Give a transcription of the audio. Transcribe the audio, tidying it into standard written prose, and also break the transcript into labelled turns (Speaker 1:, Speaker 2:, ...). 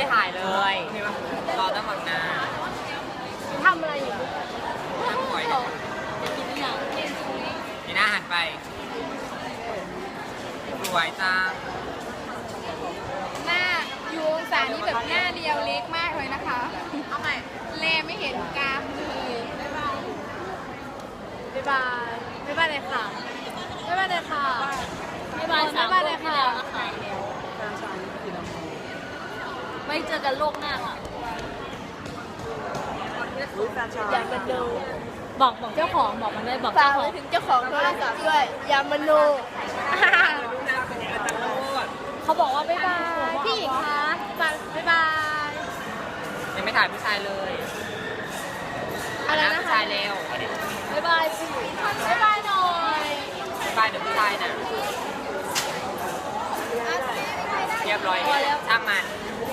Speaker 1: ถ่ายเลยรอตั้งหลังนา
Speaker 2: ทำอะไรอยู่
Speaker 1: ตั้งหอย
Speaker 2: จะกินอย่าง
Speaker 1: นี่น่าหันไปสวยจัง
Speaker 3: หน้าอยู่องศานี้แบบหน้าเรียวเล็กมากเลยนะคะ
Speaker 2: เอาใหม่
Speaker 3: แลไม่เห็นกรามเลย
Speaker 2: บ๊ายบายบ๊ายบายเลยค่ะบ๊ายบายเลยค่ะบ๊ายบาย
Speaker 3: บ๊ายบายเลยค่ะ
Speaker 2: ไม่เจอกันโลกหน้าค่ะอยากจะดูบอกเจ้าของบอกมันด้วยบอก
Speaker 4: ฝา
Speaker 2: เจ้าก ข
Speaker 4: ไป
Speaker 2: อง
Speaker 4: ถึงเจ้าของโทรศัพท์ด้วยยามาโน
Speaker 2: เขาบอกว่าบ๊ายบายพี่หญิงคะบ๊ายบาย
Speaker 1: ยังไม่ถ่ายผู้ชายเลย
Speaker 2: อะไรนะ
Speaker 1: ผู้
Speaker 2: คะ
Speaker 1: ชายเร็ว
Speaker 2: บ๊ายบายพี่บ๊ายบายหน่อย
Speaker 1: บายเดี๋ยวผู้ชายนะเรียบร้อย
Speaker 2: พอแล้ว
Speaker 1: ช่างมัน
Speaker 2: พ